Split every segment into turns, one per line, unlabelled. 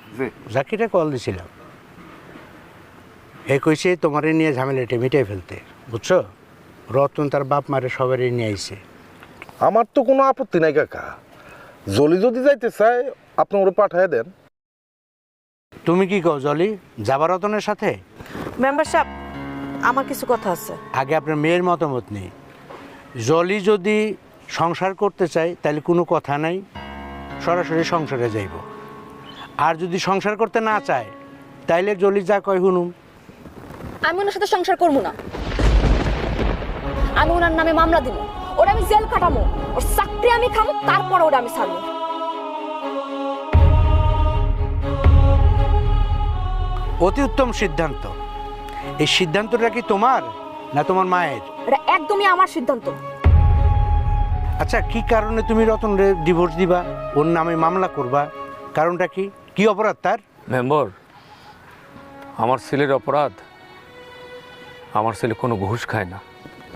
জাকিরে call দিছিলাম, কইছে তোমারে নিয়ে ঝামেলাটা মিটাই ফেলতে, বুঝছো? রতন তার বাপ মারে সবারই নিয়ে আইছে।
আমার তো কোনো আপত্তি নাই কাকা, জলি যদি যাইতে চায় আপনি ওরা পাঠিয়ে দেন।
তুমি কি কও জলি, যাবা রতনের সাথে?
মেম্বার সাহেব, আমার কিছু কথা আছে।
আগে আপনার মেয়ের মতামত নেই। জলি যদি সংসার করতে চায় তাহলে কোনো কথা নাই, সরাসরি সংসারে যাইব। আর যদি সংসার করতে না চায় তাইলে জলি যা কয় হুনুম।
আমি ওনার সাথে সংসার করবো না, আমি ওনার নামে মামলা দিব, ওরা আমি জেল কাটামো, ওর চাকরি আমি খাবো, তারপর ওরা আমি ছাড়বো।
অতি উত্তম সিদ্ধান্ত। এই সিদ্ধান্তটা কি তোমার না তোমার মায়ের?
এটা একদমই আমার সিদ্ধান্ত।
আচ্ছা, কি কারণে তুমি রতনরে ডিভোর্স দিবা, ওর নামে মামলা করবা? কারণটা কি? কি অপরাধ তার?
মেম্বার, আমার ছেলের অপরাধ, আমার ছেলে কোনো ঘুষ খায় না।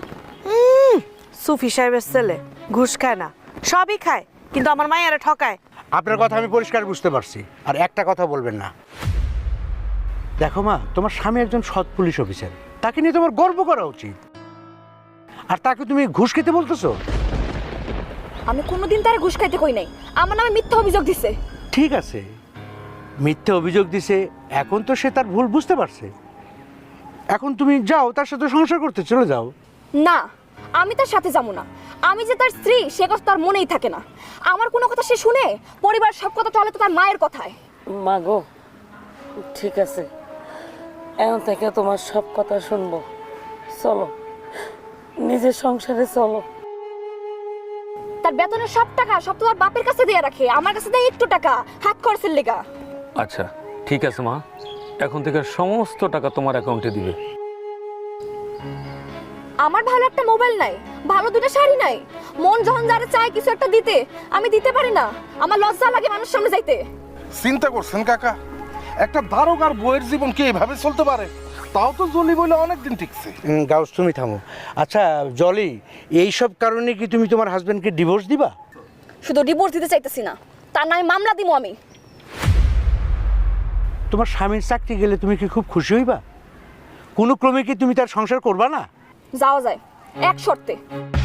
সুফি সাহেবের ছেলে ঘুষ খায় না, সবই খায়, কিন্তু আমার মায়েরা ঠকায়।
আপনার কথা আমি পরিষ্কার বুঝতে পারছি, আর একটা কথা বলবেন না। দেখো মা, তোমার স্বামী একজন সৎ পুলিশ অফিসার, তাকে নিয়ে তোমার গর্ব করা উচিত। আর তাকে তুমি ঘুষ খেতে বলতেছো?
আমি কোনোদিন তার ঘুষ খাইতে কই নাই, আমার নামে মিথ্যা অভিযোগ দিছে।
ঠিক আছে, মিথ্যে অভিযোগ দিছে, এখন তো সে তার ভুল বুঝতে পারছে। এখন তুমি যাও, তার সাথে সংসার করতে চলে যাও।
না, আমি তার সাথে যাবো না। আমি যে তার স্ত্রী সে কথা তার মনেই থাকে না। আমার কোনো কথা সে শুনে, পরিবার সব কথা চলে তো তার মায়ের কথায়।
মা গো, ঠিক আছে, এখন থেকে তোমার সব কথা শুনবো। চলো, নিজের সংসারে চলো।
তার বেতনের সব টাকা সব তো তার বাপের কাছে দিয়ে রাখে, আমার কাছে দেয় একটু টাকা হাত খরচের লেগা।
আচ্ছা ঠিক আছে মা, এখন থেকে সমস্ত টাকা তোমার অ্যাকাউন্টে দিবে।
আমার ভালো একটা মোবাইল নাই, ভালো দুটো শাড়ি নাই, মন যখন যারা চায় কিছু একটা দিতে, আমি দিতে পারি না। আমার লজ্জা লাগে মানুষের সামনে যাইতে।
চিন্তা করছেন কাকা, একটা দারোগার বইয়ের জীবন কি এইভাবে চলতে পারে? তাও তো জলি বলে অনেকদিন টিকছে।
গাউস, তুমি থামো। আচ্ছা জলি, এইসব কারণে কি তুমি তোমার হাজবেন্ডকে ডিভোর্স দিবা?
শুধু ডিভোর্স দিতে চাইতেছি না, তার নামে মামলা দিব আমি।
তোমার স্বামীর চাকরি গেলে তুমি কি খুব খুশি হইবা? কোনো ক্রমে কি তুমি তার সংসার করবা না?
যাওয়া যায় এক শর্তে,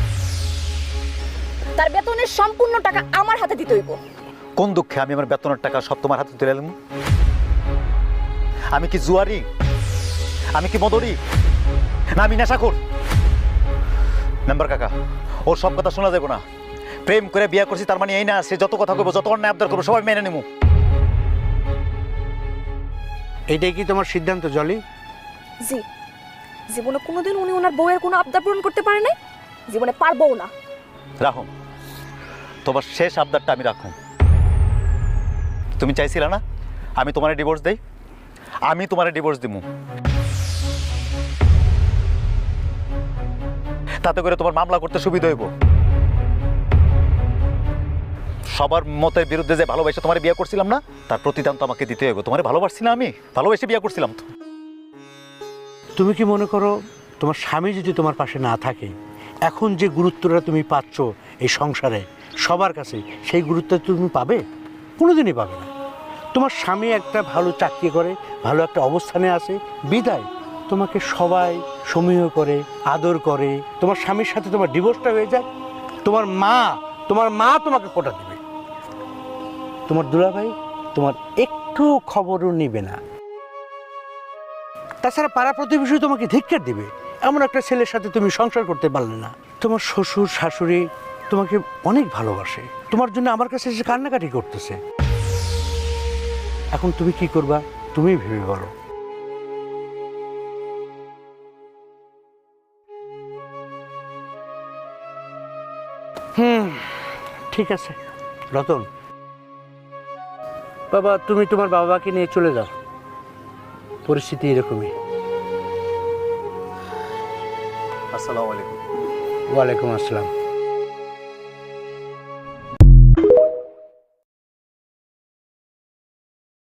তার বেতনের সম্পূর্ণ টাকা আমার হাতে দিতে হইব।
কোন দুঃখে আমি আমার বেতনের টাকা সব তোমার হাতে তুলে এলাম? আমি কি জুয়ারি? আমি কি মদরি? না আমি নেশাখোর? মেম্বার কাকা, ওর সব কথা শোনা যাবে না। প্রেম করে বিয়ে করছি তার মানে এই না সে যত কথা কইব, যত অন্যায় আবদার করবো সবাই মেনে নেবো।
এইটাই কি তোমার সিদ্ধান্ত জলি?
জি, জীবনে কোনোদিন উনি ওনার বউয়ের কোনো আবদার পূরণ করতে পারে নাই, জীবনে পারবও না।
রাখুন, তোমার শেষ আবদারটা আমি রাখুন। তুমি চাইছিলে না আমি তোমারে ডিভোর্স দেই? আমি তোমারে ডিভোর্স দিব। তাতে করে তোমার মামলা করতে সুবিধা হইব। সবার মতের বিরুদ্ধে যে ভালোবাসে তোমার বিয়ে করছিলাম না, তার প্রতিদান তো আমাকে দিতে হইব। তোমারে ভালোবাসছি না, আমি ভালোবেসে বিয়ে করছিলাম তো।
তুমি কি মনে করো তোমার স্বামী যদি তোমার পাশে না থাকে, এখন যে গুরুত্বটা তুমি পাচ্ছ এই সংসারে সবার কাছে, সেই গুরুত্ব তুমি পাবে? কোনোদিনই পাবে না। তোমার স্বামী একটা ভালো চাকরি করে, ভালো একটা অবস্থানে আছে বিদায় তোমাকে সবাই সমীহ করে, আদর করে। তোমার স্বামীর সাথে তোমার ডিভোর্সটা হয়ে যায়, তোমার মা তোমাকে কোটা দেবে, তোমার দুলাভাই তোমার একটু খবরও নিবে না। তাছাড়া পাড়া প্রতিবেশী তোমাকে ধিক্কার দিবে, এমন একটা ছেলের সাথে তুমি সংসার করতে পারলে না। তোমার শ্বশুর শাশুড়ি তোমাকে অনেক ভালোবাসে, তোমার জন্য আমার কাছে এসে কান্নাকাটি করতেছে। এখন তুমি কি করবা তুমি ভেবে বলো। ঠিক আছে রতন, বাবা তুমি তোমার বাবাকে নিয়ে চলে যাও, পরিস্থিতি এরকমই।
আসসালামু আলাইকুম।
ওয়ালাইকুম আসসালাম।